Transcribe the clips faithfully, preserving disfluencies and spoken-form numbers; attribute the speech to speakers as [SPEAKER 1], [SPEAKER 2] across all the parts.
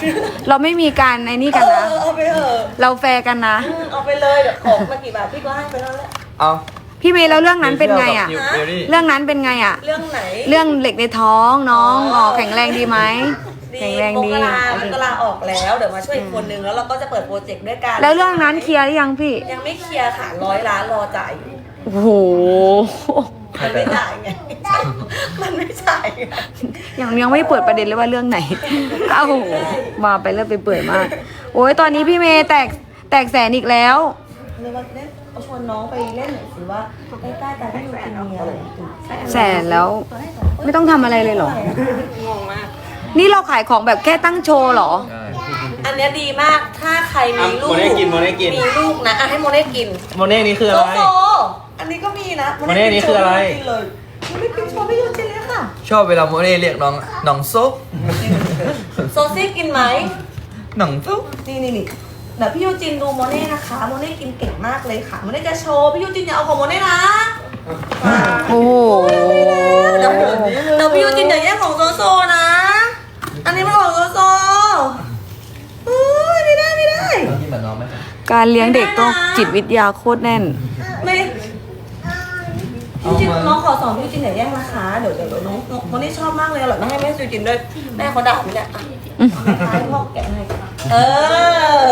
[SPEAKER 1] เราไม่มีการในนี่กันนะ
[SPEAKER 2] เอาไปเถอะ
[SPEAKER 1] เราแฟร์กันนะ
[SPEAKER 2] เอาไปเลยเดี๋ยวของมากี่บาทพี่ก็ให้ไปแล้วแหละ
[SPEAKER 3] เอา
[SPEAKER 1] พี่เมย์แล้วเรื่องนั้นเป็นไงอ่ะ
[SPEAKER 3] นิวเบลลี่
[SPEAKER 1] เรื่องนั้นเป็นไงอ่ะ
[SPEAKER 2] เรื่องไหน
[SPEAKER 1] เรื่องเหล็กในท้องน้องอ๋อแข็งแรงดีไหม
[SPEAKER 2] ดี
[SPEAKER 1] แข็งแรง
[SPEAKER 2] ม
[SPEAKER 1] ดี
[SPEAKER 2] กรามกราออกแล้วเดี๋ยวมาช่วยอีกคนนึงแล้วเราก็จะเปิดโปรเจกต์ด้วยกัน
[SPEAKER 1] แล้วเรื่องนั้นเคลียร์หรือยังพี่
[SPEAKER 2] ยังไม่เคลียร์ค่ะร้อยล้านรอจ่ายอยู่
[SPEAKER 1] โอ้โห
[SPEAKER 2] มันไม่จ่ายไงมันไม่จ่ายไง
[SPEAKER 1] ยังยังไม่เปิดประเด็นเลยว่าเรื่องไหน เอ้ามาไปเรื่อยไปเปื่อยมาก โอ้ยตอนนี้พี่เมย์แตกแตกแสนอีกแล้ว
[SPEAKER 2] เลยว่าเล่นเอาชวนน้องไปเล่นหน่อยสิว่าใกล้ๆกันที่อยู่กินมีอะไร
[SPEAKER 1] แสนแล้ว ไม่ต้องทำอะไรเลยเหรอ
[SPEAKER 2] งงมาก
[SPEAKER 1] นี่เราขายของแบบแค่ตั้งโชว์เหรอ
[SPEAKER 3] ได้
[SPEAKER 2] อันเนี้ยดีมากถ้าใครมีลูก
[SPEAKER 3] โมเน่กินโมเน่กิน
[SPEAKER 2] มีลูกนะอ่ะให้โมเน่กิน
[SPEAKER 3] โมเน่นี่คือ
[SPEAKER 2] โซ
[SPEAKER 3] อะไร
[SPEAKER 2] โซอันนี้ก็มีนะ
[SPEAKER 3] โมเน่นี่คืออะไร
[SPEAKER 2] กินเลยโมเน่กินโชว์พี่ยูจินเลยค่ะ
[SPEAKER 3] ชอบเวลาโมเน่เรียกน้องน้องซุป
[SPEAKER 2] โซซี่กินไหม
[SPEAKER 3] น้องซุป
[SPEAKER 2] นี่นี่นี่เดี๋ยวพี่ยูจินดูโมเน่นะคะโมเน่กินเก่งมากเลยค่ะโมเน่จะโชว์พี่ยูจินอย่าเอาของโมเน่นะ
[SPEAKER 1] โอ้โห
[SPEAKER 2] เดี๋ยวเดี๋ยวพี่ยูจินอย่าแย่งของโซโซนะ อันนี้มันของโซโซอุ้ยไม่ได้ไม่ได้
[SPEAKER 3] กินแบบน้องไหม
[SPEAKER 1] การเลี้ยงเด็กต้องจิตวิทยาโคตรแน่น
[SPEAKER 2] ไม่พี่ยูจินน้องขอสอนพี่ยูจินอย่าแย่งนะคะเดี๋ยวเดี๋ยวเดี๋ยวน้องน้องโมเน่ชอบมากเลยอร่อยมากให้แม่ยูจินด้วยแม่เขาด่าไหมเนี่ยอ่ะให้พ่อแกะให้เออ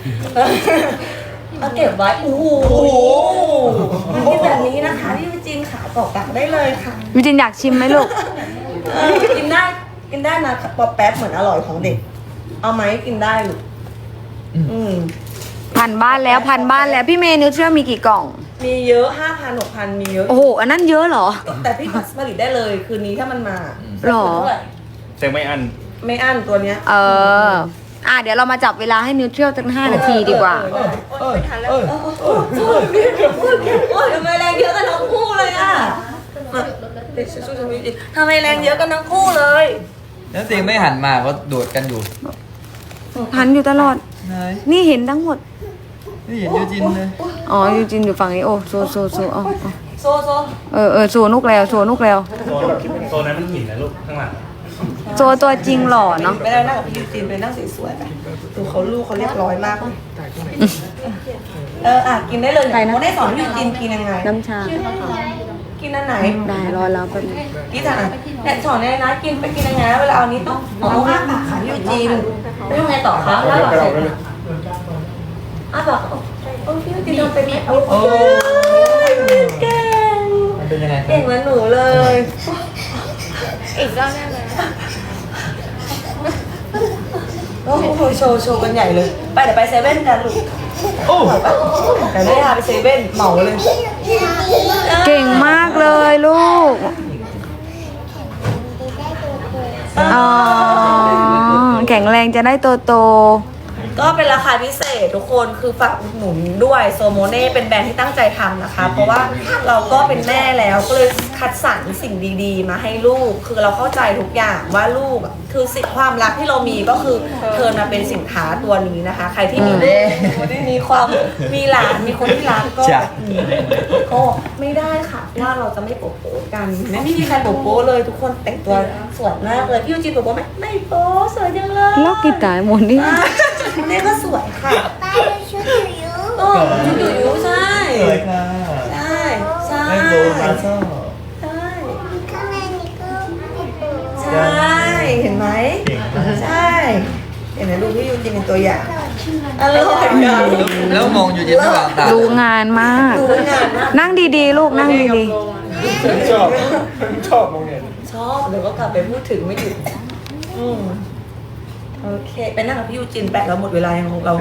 [SPEAKER 2] เอาเก็บไว้โอ้โหมันเป็นแบบนี้นะคะพี่ยูจินขาตอกกลับได้เลยค่ะ
[SPEAKER 1] วิจินอยากชิมไหมลูก
[SPEAKER 2] เออกินได้กินได้นะป๊อปแป๊บเหมือนอร่อยของเด็ก เอาไหมกินได้ลูกอืม
[SPEAKER 1] พันบ้านแล้วพันบ้านแล้วพี่เมย์นิวเชื่อมีกี่กล่อง
[SPEAKER 2] มีเยอะห้าพันหกพันมีเยอะ
[SPEAKER 1] โอ้โห อันนั้นเยอะเหรอ
[SPEAKER 2] แต่พี่ผลิตได้เลยคืนนี้ถ้ามันมา
[SPEAKER 1] หรอ
[SPEAKER 2] เท่าไห
[SPEAKER 3] เซ็งไม่อัน
[SPEAKER 2] ไม่อั้นตัวเนี้ย
[SPEAKER 1] เออ อ่ะเดี๋ยวเรามาจับเวลาให้นิวเทรียลตั้งห้านาทีดีกว่า
[SPEAKER 2] เออเออเออโอ้ยทำไมแรงเยอะกันทั้งคู่เลยอ่ะทำไมแรงเยอะกันทั้งคู่เลย
[SPEAKER 3] แล้วเซ็งไม่หันมาก็โดดกันอยู่
[SPEAKER 1] พันอยู่ตลอด
[SPEAKER 3] ไหน
[SPEAKER 1] นี่เห็นทั้งหมด
[SPEAKER 3] ไม่เห็นยูจินเลย
[SPEAKER 1] อ๋อยูจินอยู่ฝั่งนี้ โอ้โซโซโซเอาเอา
[SPEAKER 2] โซโซ
[SPEAKER 1] เออเออโซนุกแล้วโซนุกแล้ว
[SPEAKER 4] โซนโซนนั้นมันหินนะลูกข้างหลัง
[SPEAKER 1] โซตัวจริงหล่อเนาะ
[SPEAKER 2] ไปแล้วนั่งกับพี่ยูจีนไปนั่งสวยๆไปดูเขาลูกเขาเรียบร้อยมากเลยเอออ่ะกินได้เลยเนี่ยโมได้สอนพี่ยูจีนกินยังไง
[SPEAKER 1] น้ำชา
[SPEAKER 2] กินอันไหน
[SPEAKER 1] ได้รอแล้วแป๊บนึง
[SPEAKER 2] กินอันไหนเนี่ยสอนเลยนะกินไปกินยังไงนะเวลาเอานี้ต้องอ๋ออ้าปากค่ะพี่ยูจีนแล้วยังไงต่อคะแล้วหลังเสร็จอ้าปากโอ้พี่ยูจีนทำเป็นไหมโอ้
[SPEAKER 3] โอ้
[SPEAKER 2] เก่ง
[SPEAKER 3] มันเป็นยังไง
[SPEAKER 2] เก่งเหมือนหนูเลย
[SPEAKER 5] อีกรอบแน่เลย
[SPEAKER 2] โอ้โหโชว์โชว์กันใหญ่เลย ไปเดี๋ยวไปเซเว่นกันลูก
[SPEAKER 3] โอ้
[SPEAKER 2] เดี๋ยวได้พาไปเซเว่นเหมาเลย
[SPEAKER 1] เก่งมากเลยลูก อ๋อ แข็งแรงจะได้โตโต
[SPEAKER 2] ก็เป็นราคาพิเศษทุกคนคือฝากอุดหนุนด้วยโซโมเน่เป็นแบรนด์ที่ตั้งใจทำนะคะ เพราะว่าเราก็เป็นแม่แล้วก็เลยคัดสรรสิ่งดีๆ มาให้ลูกคือเราเข้าใจทุกอย่างว่าลูกอะคือสิ่งความรักที่เรามีก็คือเทิร์นมาเป็นสินค้าตัวนี้นะคะ ใครที่มีลูกมีความมีหลานมีคนที่รักก็ก็ไม่ได้ค่ะว่าเราจะไม่โป๊ะโป๊ะกันไม่มีใครโป๊ะโป๊ะเลยทุกคนแต่งตัวสวยมากเลยพี่ยูจีโป๊ะโป๊ะไหมไม่โป๊ะสวยจังเลย
[SPEAKER 1] ๆล็อกกีตาร์หมดนี่
[SPEAKER 2] นี่ก็สวยค่ะ
[SPEAKER 5] ป้าดูชุดหนูอยู่
[SPEAKER 2] โอ้ชุดอยู่อยู่ใช่
[SPEAKER 3] สวยค่ะ
[SPEAKER 2] ใช่ใช่
[SPEAKER 3] ไม่โดนมาซ่อ
[SPEAKER 2] ใช่
[SPEAKER 5] ข้างในนี่ก็ไม่ดู
[SPEAKER 2] ใช่เห็นไหมใช่เห็นไหมดูพี่ยูจินเป็นตัวอย่างอร่อย
[SPEAKER 3] แล้วมองยูจินระหว่างตา
[SPEAKER 1] ดูงานมาก
[SPEAKER 2] ดูงานมาก
[SPEAKER 1] นั่งดีๆ ลูกนั่งดี
[SPEAKER 4] ชอบชอบมองเนี่ย
[SPEAKER 2] ชอบเดี๋ยวก็กลับไปพูดถึงไม่หยุดอืมโอเคไปนั่งกับพี่ยูจินแปะเราหมดเวลายังของเรา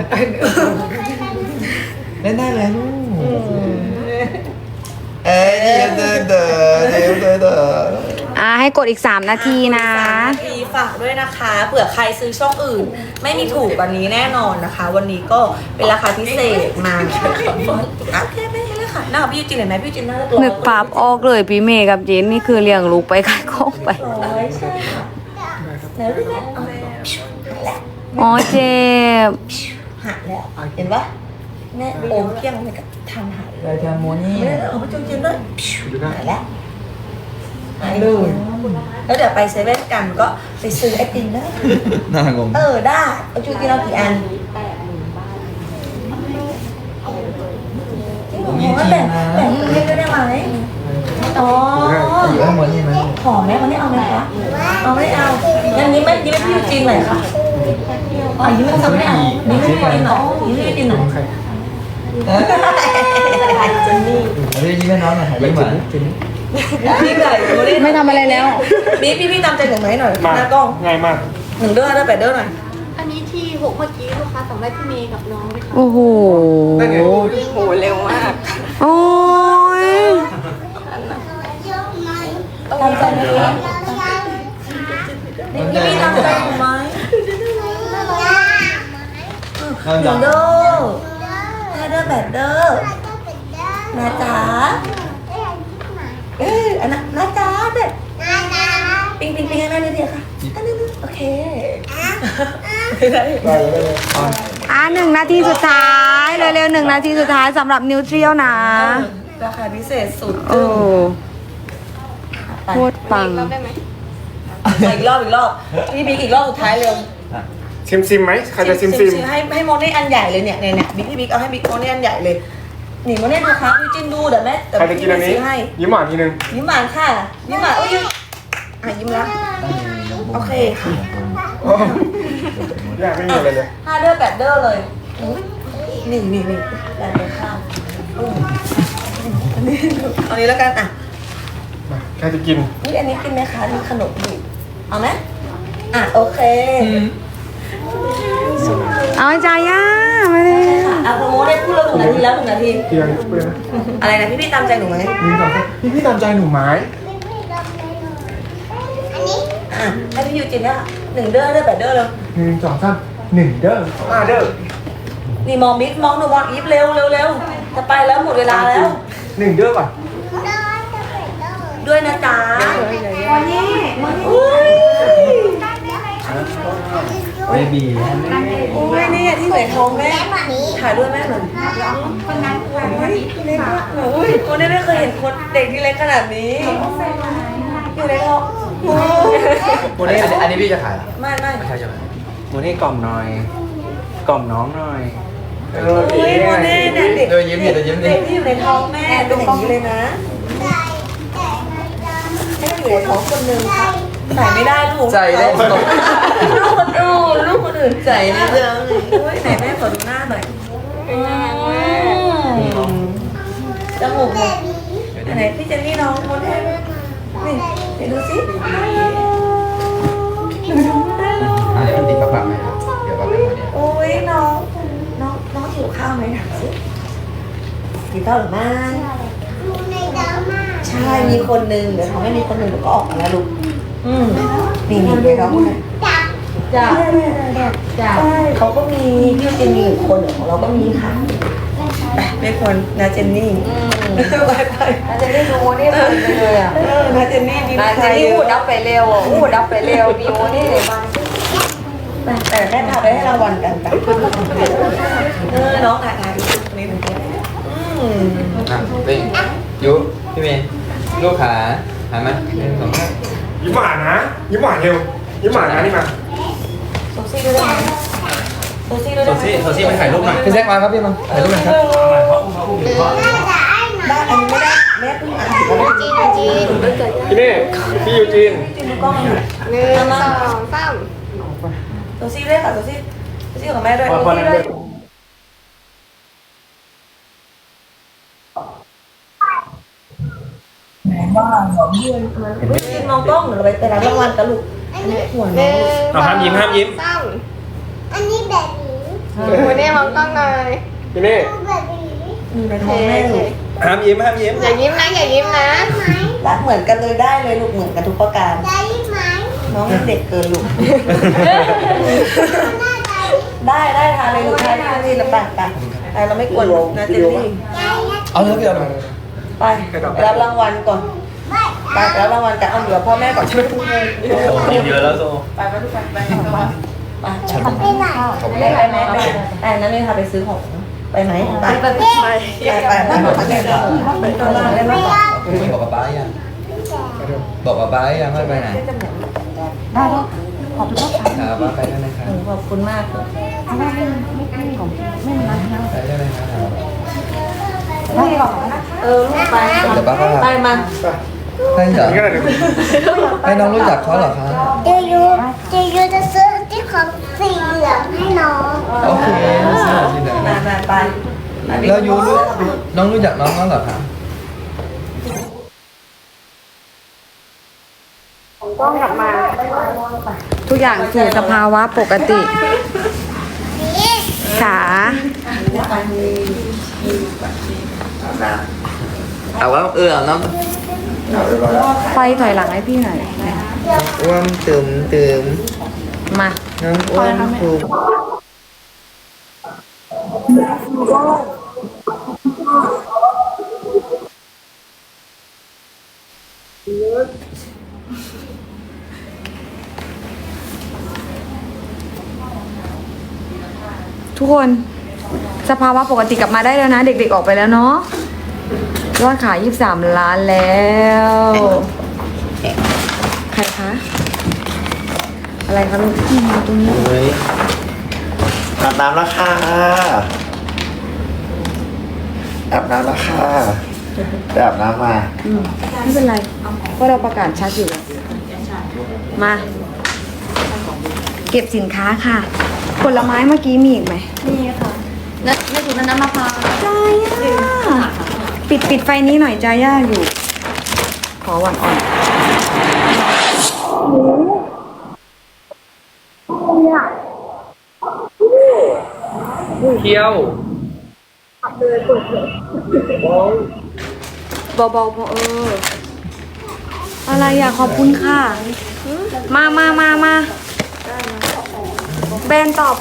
[SPEAKER 3] เล่นได้แล้วลูก
[SPEAKER 2] อืม
[SPEAKER 3] เอ้ยเดี๋ยวเดี๋ยวเดี๋ยวเดี๋ยวเดี๋ยวเดี๋ยว
[SPEAKER 1] ๆ อ่าให้กดอีก สาม นาทีนะ
[SPEAKER 2] สามนาทีฝากด้วยนะคะเผื่อใครซื้อช่องอื่น ไม่มีถูกกว่านี้แน่นอนนะคะ วันนี้ก็เป็นราคาพิเศษมาโอเคไม่เป็นไรค่ะนั่งกับพี่ยูจินเห็นไหมพี่ยูจินน่าจะตัว
[SPEAKER 1] นึกภาพออกเลยพี่เมย์กับเจนนี่คือเลี้ยงลูกไปขายของไป
[SPEAKER 2] โอ้ยใช่ค่ะไหนดูแม่เอาแล้ว
[SPEAKER 1] อ๋อเจ็บ
[SPEAKER 2] หักแล้วเห็นปะแม่โอมเพียงเลยกับทำหาย
[SPEAKER 3] รายการโมนี่
[SPEAKER 2] ไม่ได้เอาไปจุ่มจิ้มด้วยหายแล้วหายเลยแล้วเดี๋ยวไปเซเว่นกันก็ไปซื้อไอติมได้
[SPEAKER 3] น่างง
[SPEAKER 2] เออได้เอาจูกินเอากี่อัน
[SPEAKER 3] ผมมี
[SPEAKER 2] อ๋อ
[SPEAKER 3] จริ
[SPEAKER 2] แต่
[SPEAKER 3] งนะ
[SPEAKER 2] แต่เล่นได้ไหมอ๋อ
[SPEAKER 3] อยู่ข้างบนนี่ไหม
[SPEAKER 2] หอมไหมวันนี้เอาไหมคะเอาไม่เอางั้นนี้ไม่ยิ้มให้พี่ยูจีนหน่อยค่ะอ๋อยิ้มให้เขาไม่เอายิ้มให้พี่ยูจีนหน่อยยิ้มให้พี่ยูจีนหน่อย
[SPEAKER 3] เจนนี่เรียกยิ้มให้น้องหน่อยยิ้มหวาน
[SPEAKER 2] พี่ไก่ดูดิ
[SPEAKER 1] ไม่ทำอะไรแล้ว
[SPEAKER 2] พี่พี่พี่ตามใจหนูไหมหน่อย
[SPEAKER 4] มา
[SPEAKER 2] หน้ากล้อง
[SPEAKER 4] ง่ายมาก
[SPEAKER 2] หนึ่งเด้อเด้อแปดเด้อหน่อย
[SPEAKER 5] อันนี้ที่หกเมื่อกี้ลูกค้าสั่งได้พี่เมย์กับน้องไหมคะ
[SPEAKER 1] โอ้โห
[SPEAKER 4] นั่นไง
[SPEAKER 1] โอ้ย
[SPEAKER 2] ตามใจไหมคะพี่พี่ตามใจหนูไหม
[SPEAKER 3] น้อง
[SPEAKER 2] ห
[SPEAKER 3] ยั
[SPEAKER 2] นึ่
[SPEAKER 3] ง
[SPEAKER 2] งเด้อห้าเด้อแปดเด้อนะจ๊ะเอออันนั้นนะจ๊ะเด็ดปิงปิงปิงให้แม่นิดเดียวค่ะอันนี้โอเคได้
[SPEAKER 4] ได้เลยได้เลย
[SPEAKER 1] อ่ะหนึ่งนาทีสุดท้ายเร็วๆหนึ่งนาทีสุดท้ายสำหรับนิวเทรียลนะ
[SPEAKER 2] ราคาพิเศษสุด
[SPEAKER 1] โอ้โคตรปัง
[SPEAKER 5] เราได้ไหม
[SPEAKER 2] อีกรอบอีกรอบพี่บิ๊กอีกรอบสุดท้ายเร็ว
[SPEAKER 4] ซิมซิมไหมใครจะซิมซิม
[SPEAKER 2] ให้ให้โมเน่อันใหญ่เลยเนี่ยเนี่ยเนี่ยบิ๊กพี่บิ๊กเอาให้บิ๊กโมเน่อันใหญ่เลยหนีโมเน่ดูครับพี่จินดูเดี๋ยวแม่เดี๋ยว
[SPEAKER 4] ใครจะกินอันนี้
[SPEAKER 2] ซื้อให้
[SPEAKER 4] ยิ้มหวานทีนึง
[SPEAKER 2] ยิ้มหวานค่ะยิ้มหวานเอ้ยอ่ะยิ้มแล้วโอเคค่ะ
[SPEAKER 4] อยากไม่มีอะไรเลย
[SPEAKER 2] ห้าเด้อแปดเด้อเลยนี่นี่นี่แปดเด้อข้าวอืมเอานี้แล้วกันอ่ะ
[SPEAKER 4] มาใครจะกิน
[SPEAKER 2] นี่อันนี้กินไหมคะนี่ขนมดิบเอาไหมอ่ะโอเค
[SPEAKER 1] เอาใจย่ามาเลย
[SPEAKER 2] ค่ะอ่ะโปรโมทได้พูดแล้วหนึ่งนาทีแล้วหนึ่งนาที
[SPEAKER 4] เพียงเพื่อน
[SPEAKER 2] อะไรนะพี่พี่ตามใจหนูไหม
[SPEAKER 4] นี่ตามใจพี่พี่ตามใจหนูไหม
[SPEAKER 2] อ่ะให้พี่ยูจินเนี่ยหนึ่งเด้อเด้อแปดเด้อเลย
[SPEAKER 4] หนึ่งสองสามหนึ่งเด้อห้าเด้อ
[SPEAKER 2] นี่มองบิ๊กมองหนูมองอีฟเร็วเร็วเร็วจะไปแล้วหมดเวลาแล้ว
[SPEAKER 4] หนึ่งเด้อป่ะ
[SPEAKER 2] ด้วยนะจ๊ะวันนี้อุ้ย
[SPEAKER 3] เบบี
[SPEAKER 2] อุ้ยนี่ที่ไหนท้องแม่ถ่ายด้วยแม่หน่อยคนนั้นอุ้ยเล็กมากอุ้ยคนนี้ไม่เคยเห็นคนเด็กที่เล็กขนาดนี้อยู่ในท้องอุ้ย
[SPEAKER 3] โมเน่อันนี้พี่จะขายเหรอ
[SPEAKER 2] ไม่ไม่
[SPEAKER 3] ไม่ใช่ใช่ไหม
[SPEAKER 6] โมนี่กล่อมหน่อย กล่อมน้องหน่อย
[SPEAKER 4] เออ
[SPEAKER 2] อุ้ยโมเน่เนี่ยเด็ก
[SPEAKER 3] เดี๋ยวยิ้มดิเดี๋ยวยิ้มดิ
[SPEAKER 2] เด็กที่อยู่ในท้องแม่เป็นอย่างนี้เลยนะให้อยู่ในท้องคนหนึ่งค่ะใส่ไม่ได้ลูก
[SPEAKER 3] ใจได้ตก
[SPEAKER 2] ลูกคนอื่นลูกคนอื่นใส่ในเรื่องอุ้ยไหนแม่ขอดูหน้าหน่อยอืมจมูกไหนพี่เจนนี่น้องโมเน่นี่เดี๋ยวดูสิ
[SPEAKER 3] อ่ะเดี๋ยวติดกระเป๋าไหมครับเดี๋ยวเราไปโมเน่
[SPEAKER 2] โอ้ยน้องน้องน้องหิวข้าวไหมถามสิหิวข้าวหรือไม่ใช่มีคนนึงเดี๋ยวเขาไม่มีคนหนึ่งเดี๋ยวก็ออกมาแล้วลูกอืมนี่นี่เดี๋ยวเราจ้าจ้าจ้าเขาก็มีพี่เจนนี่อีกคนเดี๋ยวของเราก็มีค่ะไปไม่ควรนาเจนนี่ไปไป
[SPEAKER 1] นาเจนนี่ดูนี่เพลินไปเลยอ่ะ
[SPEAKER 2] เออนาเจนนี่ดี
[SPEAKER 1] นาเจนนี่พูดดับไปเร็วอ่ะพูดดับไปเร็วมีโมนี่เลยมา
[SPEAKER 2] แต่แม่พาไปให้รางวัลกันไปเออน้องถ่ายถ่ายนี่หนึ่งคนอืม
[SPEAKER 3] อ่ะเร่งยุพี่เมย์ลูกขาหันมาหนึ่งสองสาม
[SPEAKER 4] ยิ้มหวานนะ ยิ้มหวานเร็ว ยิ้มหวานนะนี่มา
[SPEAKER 2] โซซี่ด้วยได้ไหมโซซี่ด้วย
[SPEAKER 6] โซ
[SPEAKER 2] ได้ไหม
[SPEAKER 6] ซี่โซซี่ไปถ่ายรูปหน่อย
[SPEAKER 3] พี่แซกมาครับพี่มาถ่ายรูปหน่อยครับ
[SPEAKER 2] ได้อันนี้ไม่ได้แม่เพิ่งอ่านถึงแล้ว
[SPEAKER 5] จีนจีน
[SPEAKER 4] พี่เน่พี่ยูจีน
[SPEAKER 2] จิ้มดูกล้องหน่อย
[SPEAKER 5] หนึ่งสองสาม
[SPEAKER 2] โซซี่ด้วยค่ะโซซี่โซซี่ของแม่ด้วย
[SPEAKER 4] พอพอนั่นด้วย
[SPEAKER 2] จิ้มมองกล้องหรือไปแต่ละรางวัลกันลูกอันนี้หัว
[SPEAKER 5] ห
[SPEAKER 2] น้อ
[SPEAKER 5] นึ่
[SPEAKER 2] ง
[SPEAKER 5] ง
[SPEAKER 6] เอาห้ามยิ้มห้ามยิ้ม
[SPEAKER 5] สามอันนี้แบบนี้โมเน่มองกล้องหน่อย
[SPEAKER 4] พี่เน่
[SPEAKER 2] มีในท้องแม่ลูก
[SPEAKER 6] ห้ามยิ้มห้ามยิ้ม
[SPEAKER 5] อย่ายิ้มนะอย่ายิ้มนะ
[SPEAKER 2] รักเหมือนกันเลยได้เลยลูกเหมือนกันทุกประการน้องยังเด็กเกินลูก ได้ได้ทานเลยลูกทานทานนี่ละไปไปไปเราไม่กวนนะเจนนี่
[SPEAKER 3] เอาเลยพี่เอาเลย
[SPEAKER 2] ไปไปรับรางวัลก่อนไปไปรับรางวัลกันเอาเหลือพ่อแม่ก่อนใช่ไหมทุกคน
[SPEAKER 6] ยิ้มเยอะแล้วโซ
[SPEAKER 2] ไปไปทุกคนไปไปไปได้ไหมไปแต่นั้นนี่ค่ะไปซื้อของไปไหมไปไปไปไปไปไปไปตลาดได้ไหม
[SPEAKER 3] บอกกับป้ายังบอกกับป้ายังไม่ไปไหน
[SPEAKER 2] ได้ลูก
[SPEAKER 1] ขอบคุณครับ
[SPEAKER 3] ครับว่าไปด้วยนะครับ
[SPEAKER 2] โอ้ขอบคุณมากเลย
[SPEAKER 1] เพราะว่าไม่ไม่ไม่ของไม่เป็นไรนะ
[SPEAKER 3] ไปด้วยนะครับ
[SPEAKER 1] ไม่หรอกนะ
[SPEAKER 2] เออลูกไป
[SPEAKER 3] เดี๋ยวป้าก็ทำ
[SPEAKER 2] ไปมา
[SPEAKER 3] ให้เหรอ
[SPEAKER 4] นี่ก็ได้เดี๋ยว
[SPEAKER 3] ให้น้องรู้จักเขาเหรอคะ
[SPEAKER 5] เจยูเจยูจะซื้อที่ของสีเหลืองให้น้อง
[SPEAKER 3] โอเคสวัสดีนะ
[SPEAKER 2] ไปไปไป
[SPEAKER 3] แล้วยูรู้น้องรู้จักน้องแล้วเหรอคะ
[SPEAKER 1] ทุกอย่างสู่สภาวะปกติขา
[SPEAKER 3] เอาว่าเออเอาน้ำ
[SPEAKER 1] ไฟถอยหลังให้พี่หน่อย
[SPEAKER 3] อ้วมตึมตึม
[SPEAKER 1] มา
[SPEAKER 3] น้องอ้วมถูก
[SPEAKER 1] ทุกคนสภาวะปกติกลับมาได้แล้วนะ เด็กๆออกไปแล้วเนาะยอดขายยี่สิบสามล้านแล้ว ใครคะ อะไรคะลูกที่มาตรงนี้
[SPEAKER 3] เฮ้ย
[SPEAKER 7] อาบน้ำแล้วค่ะอาบน้ำแล้วค่ะไปอาบน้ำมา
[SPEAKER 1] อืมไม่เป็นไรเพราะเราประกาศชัดอยู่แล้วมา เก็บสินค้าค่ะ ผลไม้เมื่อกี้มีอีกไหม
[SPEAKER 2] นี่ค่ะแล้วไม่ถูกน้ำมะพร้าว
[SPEAKER 1] จ้าย่าปิดปิดไฟนี้หน่อยจ้าย่าอยู่ ขอหวานอ่อน
[SPEAKER 4] เที่ยว
[SPEAKER 1] เบาๆพอเออ อะไรอ่ะขอบคุณค่ะ มามามามาแบรนด์ต่อ